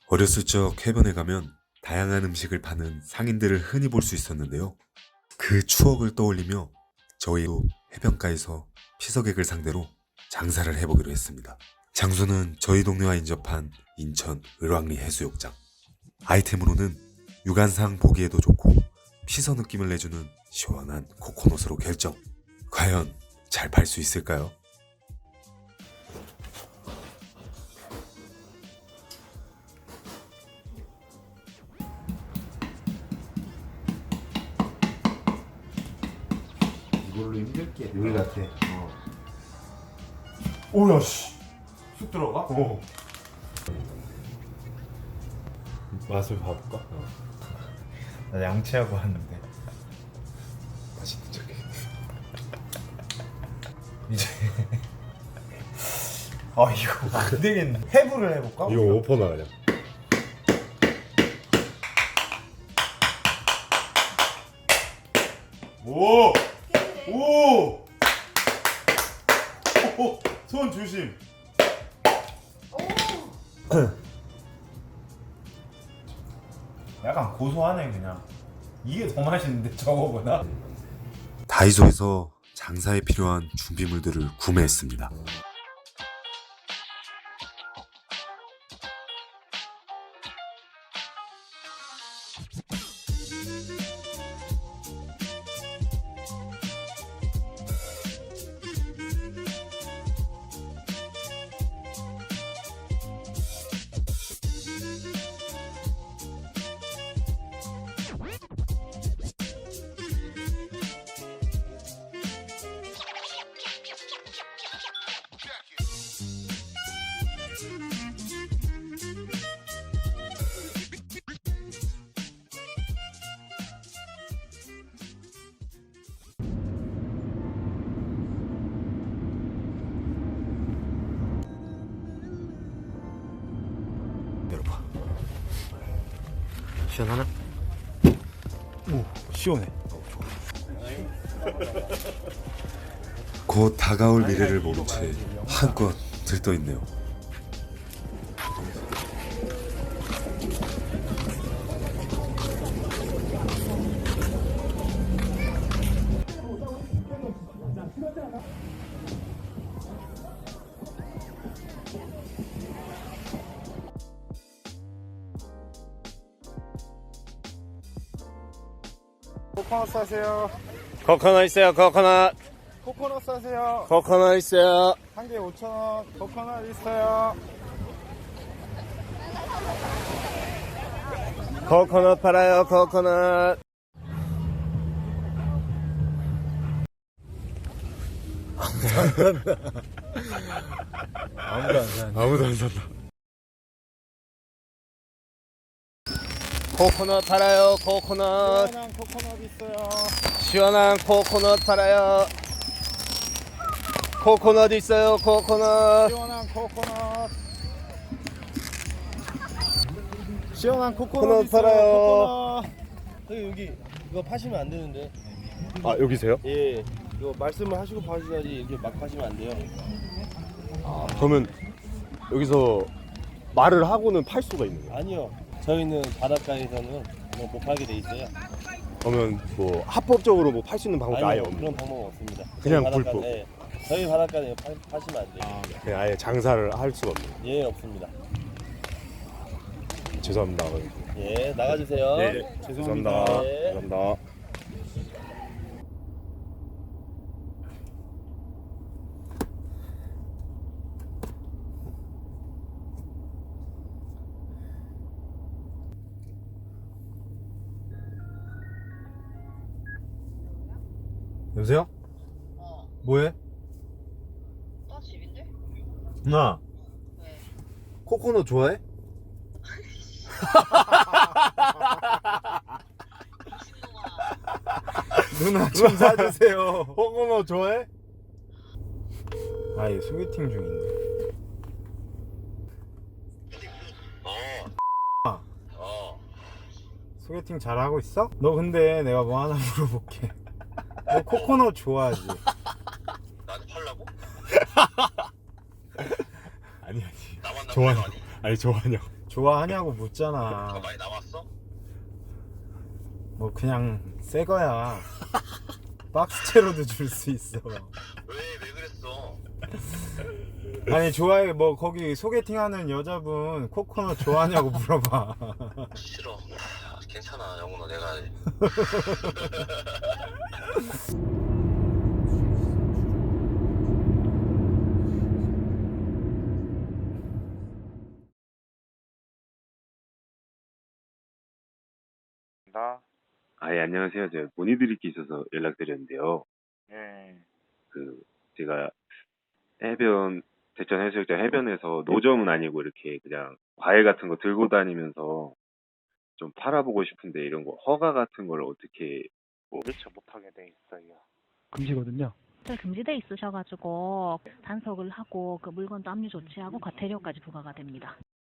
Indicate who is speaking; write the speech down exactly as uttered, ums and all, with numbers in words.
Speaker 1: 어렸을 적 해변에 가면 다양한 음식을 파는 상인들을 흔히 볼 수 있었는데요. 그 추억을 떠올리며 저희도 해변가에서 피서객을 상대로 장사를 해보기로 했습니다. 장소는 저희 동네와 인접한 인천 을왕리 해수욕장. 아이템으로는 육안상 보기에도 좋고 피서 느낌을 내주는 시원한 코코넛으로 결정. 과연 잘 팔 수 있을까요?
Speaker 2: 이걸로 힘들게
Speaker 3: 요리 같아.
Speaker 2: 어.
Speaker 3: 오야 씨.
Speaker 2: 쑥 들어가?
Speaker 3: 어. 맛을 봐볼까?
Speaker 2: 어.
Speaker 3: 나 양치하고 왔는데. 맛있는 척해. 이제. 아 이거 안 되겠네. 해부를 해볼까?
Speaker 4: 이거 오퍼나 그냥.
Speaker 3: 오! 오! 오! 손 조심. 약간 고소하네 그냥. 이게 더 맛있는데 저거보다.
Speaker 1: 다이소에서 장사에 필요한 준비물들을 구매했습니다.
Speaker 4: 열어봐. 시원하나?
Speaker 3: 오 시원해.
Speaker 1: 곧 다가올 미래를 모른 채 한껏 들떠있네요.
Speaker 3: 코코넛 사세요.
Speaker 4: 코코넛 있어요. 코코넛.
Speaker 3: 코코넛 사세요.
Speaker 4: 코코넛 있어요.
Speaker 3: 한 개 오천 원. 코코넛 있어요.
Speaker 4: 코코넛 팔아요. 코코넛.
Speaker 3: 아무도 안 사네.
Speaker 4: 아무도 안 산다. 코코넛 팔아요. 코코넛.
Speaker 3: 시원한 코코넛 있어요.
Speaker 4: 시원한 코코넛 팔아요. 코코넛 있어요. 코코넛.
Speaker 3: 시원한 코코넛. 시원한 코코넛
Speaker 4: 코코넛
Speaker 3: 있어요.
Speaker 4: 팔아요.
Speaker 3: 코코넛.
Speaker 5: 여기 여기 이거 파시면 안 되는데.
Speaker 4: 아 여기세요?
Speaker 5: 예. 이거 말씀을 하시고 파셔야지 이렇게 막 파시면 안 돼요.
Speaker 4: 아, 그러면 여기서 말을 하고는 팔 수가 있는 거예요?
Speaker 5: 아니요. 저희는 바닷가에서는 뭐못 팔게 돼 있어요.
Speaker 4: 그러면 뭐 합법적으로 뭐 팔 수 있는 방법이 아예
Speaker 5: 아니요.
Speaker 4: 없는
Speaker 5: 그런
Speaker 4: 거예요?
Speaker 5: 방법은 없습니다.
Speaker 4: 그냥
Speaker 5: 저희 바닷가-
Speaker 4: 불법.
Speaker 5: 예. 저희 바닷가에 파, 파시면 안 돼요.
Speaker 4: 그냥 아예 장사를 할 수가 없는 거예요?
Speaker 5: 예, 없습니다.
Speaker 4: 죄송합니다.
Speaker 5: 예, 나가주세요.
Speaker 4: 네, 죄송합니다.
Speaker 5: 네.
Speaker 4: 죄송합니다.
Speaker 3: 여보세요?
Speaker 6: 어,
Speaker 3: 뭐해?
Speaker 6: 나 집인데?
Speaker 3: 누나
Speaker 6: 왜?
Speaker 3: 코코넛 좋아해?
Speaker 6: 미친놈아.
Speaker 3: 누나 좀 사주세요. 코코넛 좋아해? 아, 얘 소개팅 중인데. 어. 어. 소개팅 잘하고 있어? 너 근데 내가 뭐 하나 물어볼게. 너 코코넛 좋아하지?
Speaker 7: 나한테 팔라고?
Speaker 4: 아니 아니
Speaker 7: 나만
Speaker 4: 좋아요.
Speaker 7: 남는 거 아니?
Speaker 4: 아니 좋아요.
Speaker 3: 좋아하냐고
Speaker 7: 더
Speaker 3: 묻잖아.
Speaker 7: 많이 남았어?
Speaker 3: 뭐 그냥 새 거야. 박스채로도 줄 수 있어.
Speaker 7: 왜, 왜 그랬어?
Speaker 3: 아니 좋아해. 뭐 거기 소개팅하는 여자분 코코넛 좋아하냐고 물어봐.
Speaker 7: 싫어. 야, 괜찮아, 영훈아. 내가
Speaker 5: 나?
Speaker 8: 아, 예, 안녕하세요. 제가 문의드릴 게 있어서 연락드렸는데요.
Speaker 5: 예.
Speaker 8: 그, 제가 해변, 대천 해수욕장 해변에서 노점은 아니고 이렇게 그냥 과일 같은 거 들고 다니면서 좀 팔아보고 싶은데 이런 거 허가 같은 걸 어떻게, 뭐,
Speaker 5: 도대체 못하게 돼 있어요.
Speaker 9: 금지거든요. 금지돼 있으셔가지고 단속을 하고 그 물건도 압류 조치하고 과태료까지 부과가 됩니다.